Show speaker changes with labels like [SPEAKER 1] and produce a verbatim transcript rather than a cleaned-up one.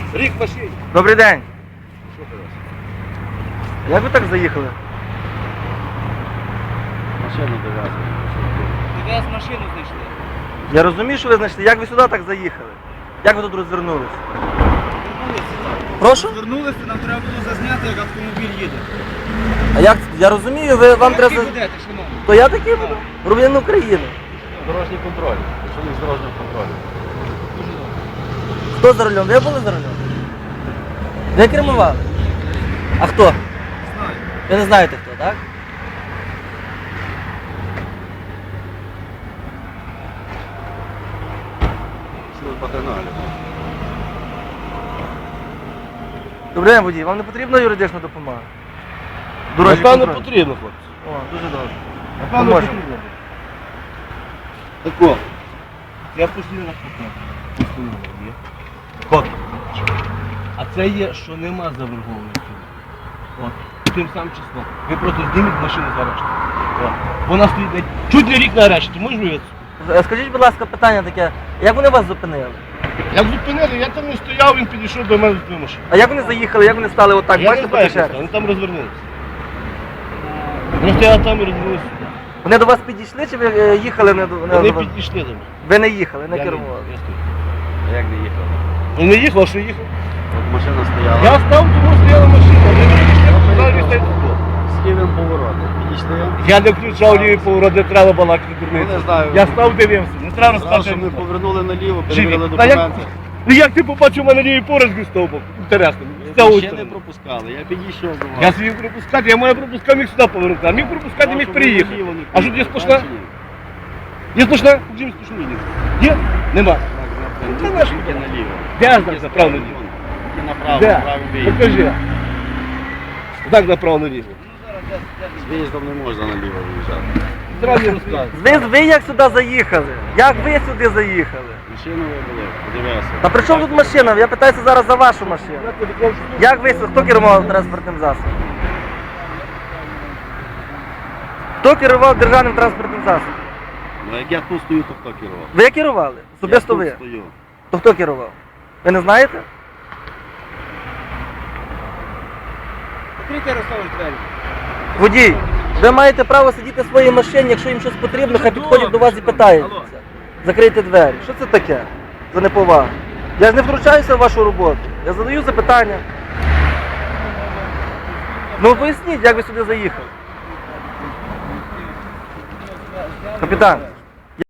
[SPEAKER 1] Рік в машині.
[SPEAKER 2] Добрий день.
[SPEAKER 1] Що ти робиш?
[SPEAKER 2] Як ви так заїхали?
[SPEAKER 1] Машину дов'язали.
[SPEAKER 3] Тебе з машину знайшли.
[SPEAKER 2] Я розумію, що ви знайшли. Як ви сюди так заїхали? Як ви тут розвернулись? Прошу?
[SPEAKER 3] Звернулися, нам треба було зазняти, як автомобіль їде.
[SPEAKER 2] А як? Я розумію, ви вам
[SPEAKER 3] Ви
[SPEAKER 2] треба.
[SPEAKER 3] такі будете, шановні.
[SPEAKER 2] То я такий буду. Громадянин України.
[SPEAKER 1] Дорожній контроль. Що не з дорожнього контролю?
[SPEAKER 3] Дуже добре.
[SPEAKER 2] Хто за рулем? Ви були за рулем? Ви кермували? А хто?
[SPEAKER 3] Знаю.
[SPEAKER 2] Ви не знаєте хто, так?
[SPEAKER 1] Служба каналів.
[SPEAKER 2] Добрий день, водій. Вам не потрібна юридична допомога? Дорожній
[SPEAKER 1] Напевно,
[SPEAKER 2] контроль.
[SPEAKER 1] потрібно, хлопці.
[SPEAKER 2] О, дуже добре.
[SPEAKER 1] Напевно,
[SPEAKER 2] Поможемо.
[SPEAKER 1] потрібно. Тако. Я постійно на фото. Фото. А це є, що нема заборгованості. От. Тим самим числом. Ви просто зніміть машину з арешту. От. Вона стоїть на- чуть не рік на арешті. Можеш виявити?
[SPEAKER 2] Е, Скажіть, будь ласка, питання таке. Як вони вас зупинили?
[SPEAKER 1] Як зупинили, я там не стояв, він підійшов до мене з машини.
[SPEAKER 2] А як вони заїхали? Як вони стали отак?
[SPEAKER 1] Я
[SPEAKER 2] Бачите,
[SPEAKER 1] не знаю, як
[SPEAKER 2] по
[SPEAKER 1] це, вони там розвернулися. Просто я там і розвернувся.
[SPEAKER 2] Вони до вас підійшли чи ви е, їхали не до не
[SPEAKER 1] Вони
[SPEAKER 2] до вас?
[SPEAKER 1] підійшли до мене.
[SPEAKER 2] Ви не їхали, не
[SPEAKER 1] Я
[SPEAKER 2] кермували.
[SPEAKER 1] я стою.
[SPEAKER 4] А як не їхав?
[SPEAKER 1] Ну не їхав, а що їхав?
[SPEAKER 4] От машина стояла.
[SPEAKER 1] Я став, тому стояла машина. Вони підійшли, сказали, що тут.
[SPEAKER 4] З лівим поворотом. Підійшли.
[SPEAKER 1] Я не включав лівий поворот, не треба балакати дурниці.
[SPEAKER 4] Ну, не знаю.
[SPEAKER 1] Я став, дивився, не треба
[SPEAKER 4] Зразу,
[SPEAKER 1] розказати.
[SPEAKER 4] щоб ми повернули наліво,
[SPEAKER 1] Живі.
[SPEAKER 4] перевірили
[SPEAKER 1] Та як-
[SPEAKER 4] документи.
[SPEAKER 1] Ну як ти побачив у мене лівий поворот з того? Інтересно. З
[SPEAKER 4] Ви
[SPEAKER 1] цієї
[SPEAKER 4] ще не
[SPEAKER 1] сторони.
[SPEAKER 4] пропускали, я підійшов до вас.
[SPEAKER 1] Я свій пропускати, я маю пропускати, міг сюди повернути, а міг пропускати, міг переїхати. А що, є сплошна? Є сплошна? Є сплошна лінія? Є? Нема. Це наш.
[SPEAKER 4] Тільки наліво.
[SPEAKER 1] Де знак направо наліво?
[SPEAKER 4] Тільки направо,
[SPEAKER 1] Де?
[SPEAKER 4] направо виїзд.
[SPEAKER 1] Покажи. Так направо наліво.
[SPEAKER 4] З виїздом не можна наліво виїжджати.
[SPEAKER 1] Треба не розказувати.
[SPEAKER 2] Ви, ви як сюди заїхали? Як ви сюди заїхали?
[SPEAKER 4] Машину вибили, подивився.
[SPEAKER 2] Та при чому тут машина? Я питаюся зараз за вашу машину. Як ви, хто керував транспортним засобом? Хто керував державним транспортним засобом?
[SPEAKER 4] Ну як я тут стою, то хто керував?
[SPEAKER 2] Ви керували? Особисто
[SPEAKER 4] Я
[SPEAKER 2] ви?
[SPEAKER 4] тут стою.
[SPEAKER 2] То хто керував? Ви не знаєте?
[SPEAKER 3] Відкрийте, Ярославович, двері.
[SPEAKER 2] Водій, ви маєте право сидіти в своїй машині, якщо їм щось потрібно, хай підходять до вас і питаються. Закрийте двері. Що це таке? За неповагу. Я ж не втручаюся в вашу роботу. Я задаю запитання. Ну поясніть, як ви сюди заїхали. Капітан.